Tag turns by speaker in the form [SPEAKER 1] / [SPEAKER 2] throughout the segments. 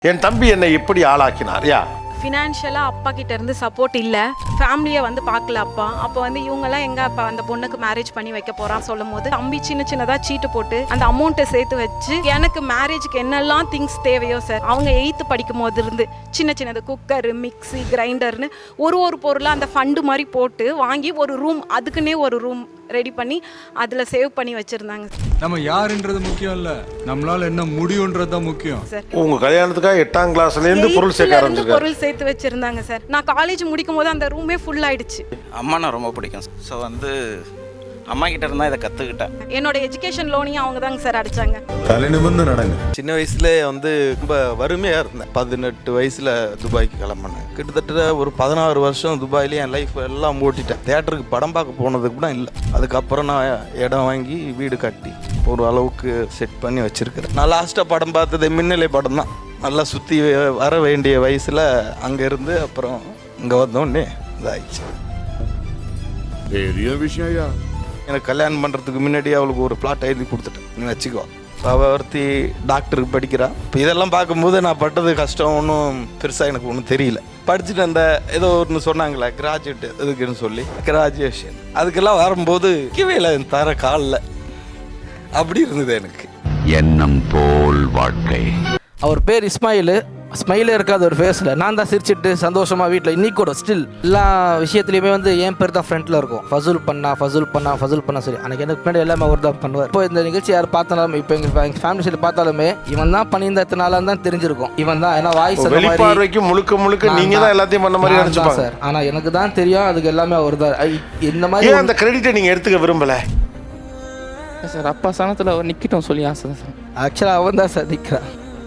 [SPEAKER 1] என் தம்பி என்னை எப்படி ஆளாக்கினார்?
[SPEAKER 2] ஃபினான்ஷியலாக அப்பா கிட்ட இருந்து சப்போர்ட் இல்லை, ஃபேமிலியை வந்து பார்க்கல அப்பா. அப்போ வந்து இவங்கெல்லாம் எங்க அப்பா அந்த பொண்ணுக்கு மேரேஜ் பண்ணி வைக்க போறான் சொல்லும் போது தம்பி சின்னதாக சீட்டு போட்டு அந்த அமௌண்ட்டை சேர்த்து வச்சு எனக்கு மேரேஜுக்கு என்னெல்லாம் திங்ஸ் தேவையோ சார், அவங்க 8th படிக்கும் போது இருந்து சின்னது குக்கரு, மிக்ஸி, கிரைண்டர்னு ஒரு பொருளாக அந்த ஃபண்டு மாதிரி போட்டு வாங்கி ஒரு ரூம், அதுக்குன்னே ஒரு ரூம் ரெடி பண்ணி அதில் சேவ் பண்ணி வச்சிருந்தாங்க.
[SPEAKER 3] நம்ம யாருன்றது முக்கியம் இல்ல, நம்மளால என்ன முடியும்ன்றது தான் முக்கியம்
[SPEAKER 2] சார்.
[SPEAKER 1] உங்க கல்யாணத்துக்காக 8ஆம் கிளாஸ்லேருந்து பொருள்
[SPEAKER 2] சேர்த்து வச்சிருந்தாங்க சார். நான் காலேஜ் முடிக்கும் போது அந்த ரூமே ஃபுல் ஆயிடுச்சு.
[SPEAKER 4] அம்மா நான் ரொம்ப பிடிக்கும். ஸோ வந்து அம்மா கிட்ட இருந்தா இதை கற்றுக்கிட்டேன்.
[SPEAKER 2] என்னோட எஜுகேஷன் லோனையும் அவங்க தாங்க சார் அடிச்சாங்க.
[SPEAKER 1] தலை நிமிர்ந்து நடங்க.
[SPEAKER 5] சின்ன வயசுல வந்து ரொம்ப வறுமையாக இருந்தேன். 18 வயசில் துபாய்க்கு கிளம்பினேன். கிட்டத்தட்ட ஒரு 16 வருஷம் துபாயிலே என் லைஃப் எல்லாம் ஓட்டிட்டேன். தேட்டருக்கு படம் பார்க்க போனது கூட இல்லை. அதுக்கப்புறம் நான் இடம் வாங்கி வீடு கட்டி ஒரு அளவுக்கு செட் பண்ணி வச்சிருக்கிறேன். நான் லாஸ்ட்டாக படம் பார்த்தது மின்னலை படம் தான். நல்லா சுற்றி வர வேண்டிய வயசில் அங்கேருந்து அப்புறம் இங்கே வந்தோடனே இதாகிடுச்சு.
[SPEAKER 3] பெரிய விஷயம்.
[SPEAKER 5] எனக்கு கல்யாணம் பண்ணுறதுக்கு முன்னாடி அவளுக்கு ஒரு பிளாட் எழுதி கொடுத்துட்டேன், நீ வச்சுக்கோ. அவள் ஒருத்தி டாக்டருக்கு படிக்கிறாள். இப்போ இதெல்லாம் பார்க்கும்போது நான் பட்டது கஷ்டம் ஒன்றும் பெருசாக எனக்கு ஒன்றும் தெரியல. படிச்சுட்டு அந்த ஏதோ ஒன்று சொன்னாங்களே கிராஜுவேட் எதுக்குன்னு சொல்லி, கிராஜுவேஷன் அதுக்கெல்லாம் வரும்போது கிவையில் தர காலில் அப்படி இருந்தது எனக்கு.
[SPEAKER 6] எண்ணம் போல் வாழ்க்கை.
[SPEAKER 7] அவர் பேர் இஸ்மாயில். ஸ்மைலே இருக்காது ஒரு ஃபேஸில். நான் தான் சிரிச்சிட்டு சந்தோஷமாக வீட்டில் இன்னைக்கு கூட ஸ்டில் எல்லா விஷயத்துலையுமே வந்து என் பேர் தான் ஃப்ரண்ட்டில் இருக்கும். ஃபசுல் பண்ணா சரி. எனக்கு பின்னாடி எல்லாமே அவர் தான் பண்ணுவார். இப்போ இந்த நிகழ்ச்சி யார் பார்த்தாலும், இப்போ எங்கள் ஃபேமிலி சைடு பார்த்தாலுமே இவன் தான் பண்ணியிருந்த எத்தனை நாளாக தான் தெரிஞ்சிருக்கும். இவன் தான், ஏன்னா வாய்ஸ்
[SPEAKER 1] வெளிப்பார்வைக்கு முழுக்க நீங்கள் தான் எல்லாத்தையும் பண்ண மாதிரி நினச்சிப்பாங்க
[SPEAKER 7] சார். ஆனால் எனக்கு தான் தெரியும் அதுக்கு எல்லாமே அவர் தான். இந்த மாதிரி
[SPEAKER 1] அந்த கிரெடிட்டை நீங்கள் எடுத்துக்க விரும்பலை
[SPEAKER 8] சார். அப்பா சனத்தில் அவர் நிற்கட்டும் சொல்லி ஆசை தான் சார்.
[SPEAKER 7] ஆக்சுவலாக அவன் தான் சார் நிற்கிறான்.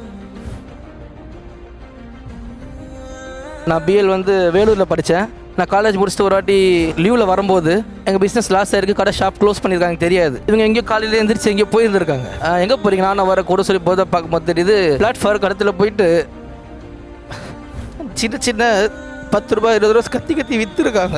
[SPEAKER 7] நான் பிஎல் வந்து வேலூரில் படித்தேன். நான் காலேஜ் முடிச்சுட்டு ஒரு வாட்டி லீவில் வரும்போது எங்கள் பிஸ்னஸ் லாஸ் ஆயிருக்கு, கடை ஷாப் க்ளோஸ் பண்ணியிருக்காங்க தெரியாது. இவங்க எங்கேயோ காலையில் எழுந்திரிச்சு எங்கேயோ போயிருந்துருக்காங்க. எங்கே போகிறீங்க? நான் வர கூட சொல்லி போதை பார்க்கும்போது தெரியுது பிளாட்ஃபார்ம் கடத்தில் போயிட்டு சின்ன 10 ரூபாய் 20 ரூபா கத்தி விற்றுருக்காங்க.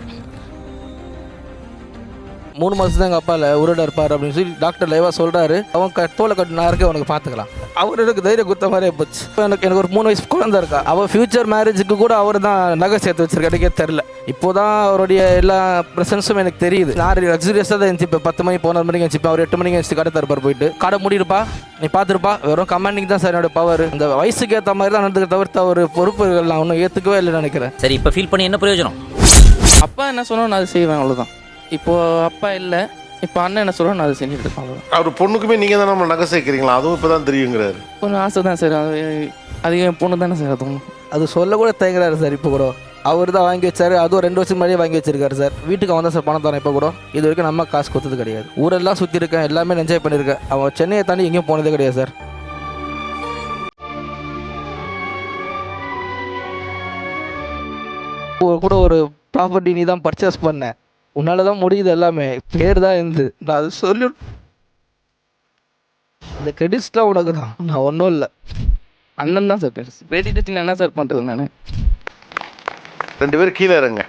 [SPEAKER 7] 3 மாதம் தான் எங்கள் அப்பாவில் உருடா இருப்பார் அப்படின்னு சொல்லி டாக்டர் லைவாக சொல்கிறாரு. அவன் தோலை கட்டு நான் இருக்க அவனுக்கு பார்த்துக்கலாம். அவர் எனக்கு தைரியம் கொடுத்த மாதிரியே போச்சு. எனக்கு ஒரு 3 வயசு குழந்தை இருக்கா. அவள் ஃபியூச்சர் மேரேஜுக்கு கூட அவர் தான் நகை சேர்த்து வச்சிருக்கே தெரில. இப்போ தான் அவருடைய எல்லா ப்ரெசன்ஸும் எனக்கு தெரியுது. நான் லக்ஸுரியஸாக தான் இருந்துச்சு. இப்போ 10 மணி 11 மணிக்கு இருந்துச்சு. அவர் 8 மணிக்கு இருந்துச்சு கடை தரப்பார் போயிட்டு கடை முடியிருப்பா நீ பார்த்துருப்பா. வெறும் கமாண்டிங் தான் சார் என்னோட பவர். இந்த வயசுக்கு ஏற்ற மாதிரி தான் நடந்துக்க தவிர்த்து அவர் பொறுப்புகள் நான் ஒன்றும் ஏற்றுக்கவே இல்லைன்னு நினைக்கிறேன்.
[SPEAKER 9] சரி, இப்போ ஃபீல் பண்ணி என்ன பிரயோஜனம்?
[SPEAKER 8] அப்பா என்ன சொன்னோம் நான் அதை செய்வேன், அவ்வளோதான். இப்போது அப்பா இல்லை, இப்போ அண்ணன் என்ன சொல்கிறோம் நான் அதை செஞ்சுட்டு இருக்கேன், அவ்வளோதான்.
[SPEAKER 1] அவர் பொண்ணுக்குமே நீங்கள் தான் நம்ம நகை சேர்க்குறீங்களா? அதுவும் இப்போ தான் தெரியுங்கிறாரு.
[SPEAKER 8] கொஞ்சம் ஆசை தான் சார். அது என் பொண்ணு தானே சார்.
[SPEAKER 7] அது சொல்ல கூட தயங்குறாரு சார். இப்போ கூட அவர் தான் வாங்கி வச்சாரு. அதுவும் 2 வருஷம் முன்னாடியே வாங்கி வச்சிருக்காரு சார். வீட்டுக்கு அவன் தான் சார் பணம் தரேன். இப்போ கூட இது வரைக்கும் நம்ம காசு கொடுத்தது கிடையாது. ஊரெல்லாம் சுற்றி இருக்கேன், எல்லாமே என்ஜாய் பண்ணியிருக்கேன். அவன் சென்னையை தாண்டி எங்கேயும் போனதே கிடையாது சார். கூட ஒரு ப்ராப்பர்ட்டி நீ தான் பர்ச்சேஸ் பண்ண, உன்னால தான் முடியுது எல்லாமே, பேர் தான் இருந்து நான் அது சொல்லி இந்த கிரெடிட்ஸ்லாம் உனக்கு தான், நான் ஒன்றும் இல்லை.
[SPEAKER 8] அண்ணன் தான் சார் பேர். கிரெடிட் என்ன சார் பண்ணுறது? நான்
[SPEAKER 1] 2 பேரும் கீழே இருங்க.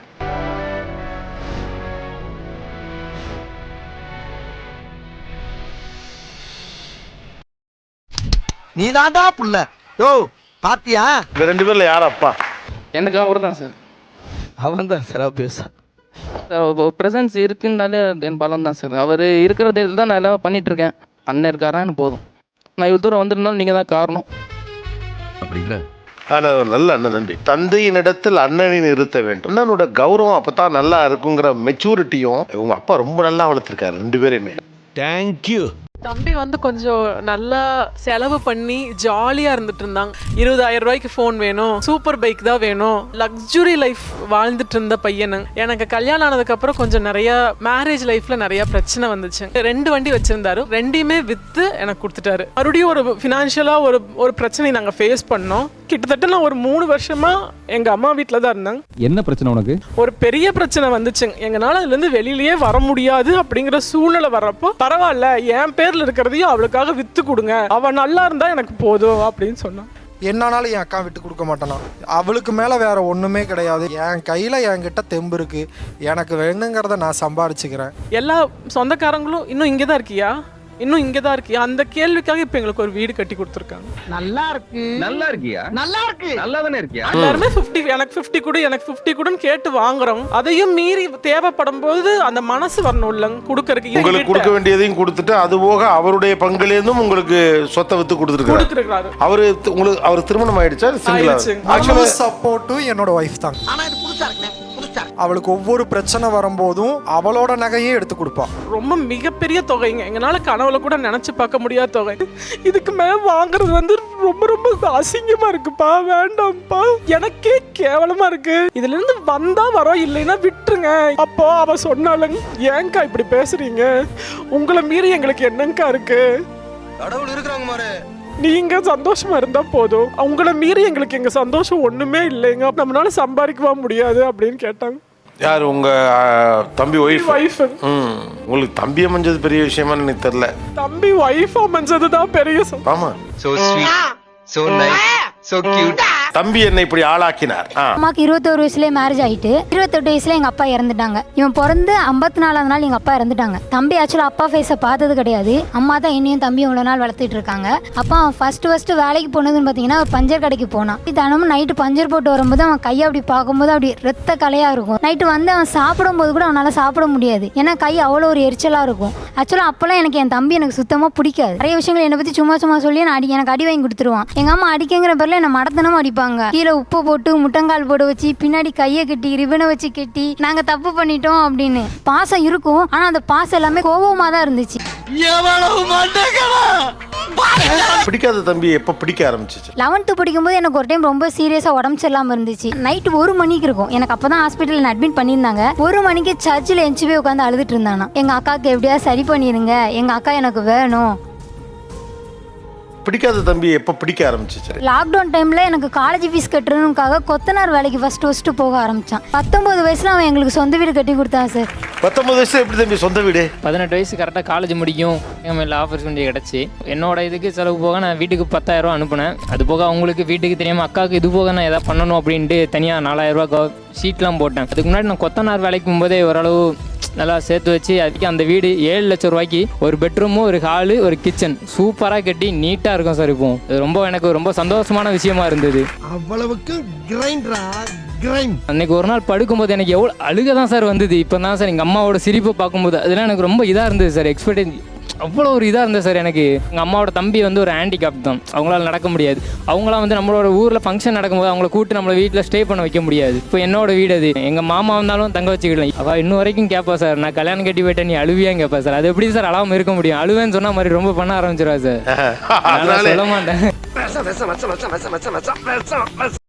[SPEAKER 7] நீ தான்டா புள்ள. யோ பாத்தியா?
[SPEAKER 1] இந்த 2 பேர்ல யார் அப்பா?
[SPEAKER 8] எனக்கு அவர் தான் சார். அவன்
[SPEAKER 7] தான் சார் பேச
[SPEAKER 8] ப்ரெசன்ஸ் இருக்குன்னாலே என் பலம் தான் சார். அவர் இருக்கிறது தான் நான் எல்லாம் பண்ணிகிட்ருக்கேன். அண்ணன் இருக்காரா எனக்கு போதும். நான் இவ்வளோ தூரம் வந்திருந்தாலும் நீங்கள் தான் காரணம்.
[SPEAKER 6] அப்படிங்களா?
[SPEAKER 1] நல்ல அண்ணன் நன்றி. தந்தையினிடத்தில் அண்ணனின் இருத்த வேண்டும். அண்ணனோட கௌரவம் அப்பதான் நல்லா இருக்குங்கிற மெச்சூரிட்டியும் உங்க அப்பா ரொம்ப நல்லா வளர்த்துருக்காரு 2 பேரையுமே.
[SPEAKER 10] தேங்க்யூ. தம்பி வந்து கொஞ்சம் நல்லா செலவு பண்ணி ஜாலியாக இருந்துட்டு இருந்தாங்க. 20,000 ரூபாய்க்கு ஃபோன் வேணும், சூப்பர் பைக் தான் வேணும், லக்ஸுரி லைஃப் வாழ்ந்துட்டு இருந்த பையனு. எனக்கு கல்யாணம் ஆனதுக்கப்புறம் கொஞ்சம் நிறையா மேரேஜ் லைஃப்பில் நிறையா பிரச்சனை வந்துச்சு. 2 வண்டி வச்சுருந்தாரு, 2யுமே விற்று எனக்கு கொடுத்துட்டாரு. மறுபடியும் ஒரு ஃபினான்ஷியலாக ஒரு பிரச்சனை நாங்கள் ஃபேஸ் பண்ணோம். கிட்டத்தட்ட நான் ஒரு 3 வருஷமாக எங்கள் அம்மா வீட்டில் தான் இருந்தேன்.
[SPEAKER 11] என்ன பிரச்சனை உனக்கு?
[SPEAKER 10] ஒரு பெரிய பிரச்சனை வந்துச்சுங்க. எங்களால் அதுலேருந்து வெளியிலேயே வர முடியாது அப்படிங்கிற சூழ்நிலை வர்றப்போ, பரவாயில்ல என் பேரில் இருக்கிறதையும் அவளுக்காக விற்று கொடுங்க, அவள் நல்லா இருந்தா எனக்கு போதும் அப்படின்னு சொன்னான்.
[SPEAKER 12] என்னானாலும் என் அக்கா விட்டு கொடுக்க மாட்டானா. அவளுக்கு மேலே வேற ஒன்றுமே கிடையாது. என் கையில் என்கிட்ட தெம்பு இருக்கு, எனக்கு வேணுங்கிறத நான் சம்பாதிச்சுக்கிறேன்.
[SPEAKER 10] எல்லா சொந்தக்காரங்களும் இன்னும் இங்கே தான் இருக்கியா, இன்னும் இங்கே தான் இருக்கியா? அந்த கேள்விக்காக இப்போ எங்களுக்கு ஒரு வீடு கட்டி கொடுத்துருக்காங்க.
[SPEAKER 9] நல்லா இருக்கியா? நல்லா இருக்கு. நல்லா தானே இருக்கியா?
[SPEAKER 10] எல்லாருமே 50 எனக்கு 50 கொடு எனக்கு 50 கொடுன்னு கேட்டு வாங்குறோம். அதையும் மீறி தேவைப்படும் போது அந்த மனசு வரணும் இல்லைங்க கொடுக்கறதுக்கு.
[SPEAKER 1] உங்களுக்கு கொடுக்க வேண்டியதையும் கொடுத்துட்டு அது போக அவருடைய பங்குலேருந்தும் உங்களுக்கு சொத்தை வித்து கொடுத்துருக்காரு. அவர் திருமணம் ஆயிடுச்சா சிங்கிளா?
[SPEAKER 12] ஆக்சுவலி சப்போர்ட்டும் என்னோட ஒய்ஃப் தான்.
[SPEAKER 9] ஆனா இது புதுசா இருக்குண்ணே.
[SPEAKER 12] அவளுக்கு ஒவ்வொரு பிரச்சனை வரும்போதும் அவளோட நகையே எடுத்து கொடுப்பா.
[SPEAKER 10] ரொம்ப மிகப்பெரிய தொகைங்க, எங்களால கனவுல கூட நினைச்சு பார்க்க முடியாத தொகை. இதுக்கு மேல வாங்குறது வந்து ரொம்ப ரொம்ப அசிங்கமா இருக்குப்பா, வேண்டாம்ப்பா, எனக்கே கேவலமா இருக்கு. இதுல இருந்து வந்தா வரோம், இல்லைன்னா விட்டுருங்க. அப்போ அவ சொன்னாலும் ஏங்கா இப்படி பேசுறீங்க, உங்களை மீறி எங்களுக்கு என்னங்கா இருக்கு,
[SPEAKER 5] கடவுள் இருக்கிறாங்க மாரு,
[SPEAKER 10] நீங்க சந்தோஷமா இருந்தா போதும், அவங்கள மீறி எங்களுக்கு எங்க சந்தோஷம் ஒண்ணுமே இல்லைங்க, நம்மளால சம்பாதிக்கவா முடியாது அப்படின்னு கேட்டாங்க.
[SPEAKER 1] யார் உங்க தம்பி ஒய்ஃப்? உங்களுக்கு தம்பி அமைஞ்சது பெரிய விஷயமா எனக்கு தெரியல.
[SPEAKER 10] தம்பி ஒய்ஃப் அமைஞ்சதுதான் பெரிய
[SPEAKER 1] ஆமா.
[SPEAKER 9] So sweet, so nice, so cute.
[SPEAKER 1] தம்பி என்ன இப்படி ஆளாக்கினார்.
[SPEAKER 11] அம்மாக்கு 21 வயசுலேயே மேரேஜ் ஆகிட்டு 28 வயசுல எங்கள் அப்பா இறந்துட்டாங்க. இவன் பிறந்து 54ஆவது நாள் எங்கள் அப்பா இறந்துட்டாங்க. தம்பி ஆக்சுவலாக அப்பா ஃபேஸை பார்த்தது கிடையாது. அம்மா தான் என்னையும் தம்பியும் இவ்வளோ நாள் வளர்த்துட்டு இருக்காங்க. அப்பா அவன் ஃபர்ஸ்ட் வேலைக்கு போனதுன்னு பார்த்தீங்கன்னா ஒரு பஞ்சர் கடைக்கு போனான். தினமும் நைட்டு பஞ்சர் போட்டு வரும்போது அவன் கையை அப்படி பார்க்கும்போது அப்படி ரத்த கலையாக இருக்கும். நைட்டு வந்து அவன் சாப்பிடும்போது கூட அவனால் சாப்பிட முடியாது, ஏன்னா கை அவ்வளோ ஒரு எரிச்சலாக இருக்கும். ஆக்சுவலாக அப்போல்லாம் எனக்கு என் தம்பி எனக்கு சுத்தமாக பிடிக்காது. நிறைய விஷயங்கள் என்னை பற்றி சும்மா சொல்லி எனக்கு அடி வாங்கி கொடுத்துருவான். எங்கள் அம்மா அடிக்கங்கிற பேரில் என்னை மடத்தனமும் அடிப்பாங்க. கீழே உப்பு போட்டு முட்டங்கால் போட வச்சு பின்னாடி கையை கட்டி ரிபனை வச்சு கட்டி நாங்க தப்பு பண்ணிட்டோம் அப்படின்னு. பாசம் இருக்கும், ஆனா அந்த பாசம் எல்லாமே கோபமா தான் இருந்துச்சு.
[SPEAKER 1] பிடிக்காத தம்பி எப்ப பிடிக்க ஆரம்பிச்சிச்சு?
[SPEAKER 11] 11th படிக்கும்போது எனக்கு ஒரு டைம் ரொம்ப சீரியஸா உடம்பு சரியில்லாம இருந்துச்சு. நைட்டு 1 மணிக்கு இருக்கும், எனக்கு அப்பதான் ஹாஸ்பிட்டல் அட்மிட் பண்ணியிருந்தாங்க. 1 மணிக்கு சர்ச்சில் எஞ்சி போய் உட்காந்து அழுதுட்டு இருந்தானா, எங்க அக்காவுக்கு எப்படியாவது சரி பண்ணிருங்க, எங்க அக்கா எனக்கு வேணும்.
[SPEAKER 1] பிடிக்காத தம்பி எப்ப பிடிக்க ஆரம்பிச்சிச்சு?
[SPEAKER 11] லாக்டவுன் டைம்ல எனக்கு காலேஜ் ஃபீஸ் கட்டுறதுக்காக கொத்தனார் வேலைக்கு ஃபர்ஸ்ட் போக ஆரம்பிச்சான். 19 வயசுல அவன் எங்களுக்கு சொந்த வீடு கட்டி கொடுத்தான் சார்.
[SPEAKER 1] 19 வயசுல எப்படி தம்பி சொந்த வீடு?
[SPEAKER 8] 18 வயசு கரெக்டாக காலேஜ் முடிக்கும் எங்கள் ஆப்பர்ச்சுனிட்டி கிடச்சி என்னோட இதுக்கு செலவு போக நான் வீட்டுக்கு 10,000 அனுப்புனேன். அது போக அவங்களுக்கு வீட்டுக்கு தெரியாமல் அக்காவுக்கு இது போக நான் எதாவது பண்ணணும் அப்படின்ட்டு தனியாக 4,000 ஷீட்லாம் போட்டேன். அதுக்கு முன்னாடி நான் கொத்தனார் வேலைக்கு போகும்போதே ஓரளவு நல்லா சேர்த்து வச்சு அதுக்கு அந்த வீடு 7 லட்சம் ரூபாய்க்கு ஒரு பெட்ரூமு, ஒரு ஹாலு, ஒரு கிச்சன் சூப்பராக கட்டி நீட்டாக இருக்கும் சார். இப்போ இது ரொம்ப எனக்கு ரொம்ப சந்தோஷமான விஷயமா இருந்தது.
[SPEAKER 9] அவ்வளவுக்கு
[SPEAKER 8] அன்னைக்கு ஒரு நாள் படுக்கும்போது எனக்கு எவ்வளோ அழுக தான் சார் வந்தது. இப்போ தான் சார் எங்கள் அம்மாவோட சிரிப்பை பார்க்கும்போது அதெல்லாம் எனக்கு ரொம்ப இதாக இருந்தது சார். எக்ஸ்பெக்டேஷன் அவ்வளோ ஒரு இதாக இருந்தது சார். எனக்கு எங்கள் அம்மாவோட தம்பி வந்து ஒரு ஹேண்டிகேப் தான், அவங்களால நடக்க முடியாது. அவங்களாம் வந்து நம்மளோட ஊரில் ஃபங்க்ஷன் நடக்கும்போது அவங்கள கூப்பிட்டு நம்மளை வீட்டில் ஸ்டே பண்ண வைக்க முடியாது. இப்போ என்னோட வீடு அது, எங்கள் மாமா வந்தாலும் தங்க வச்சுக்கலாம். அவள் இன்னும் வரைக்கும் கேட்பா சார், நான் கல்யாணம் கட்டி போயிட்டேன் நீ அழுவியான்னு கேட்பா சார். அது எப்படி சார் அழாமல் இருக்க முடியும்? அழுவேன்னு சொன்னால் மாதிரி ரொம்ப பண்ண ஆரம்பிச்சிருவா சார். சொல்ல மாட்டேன்.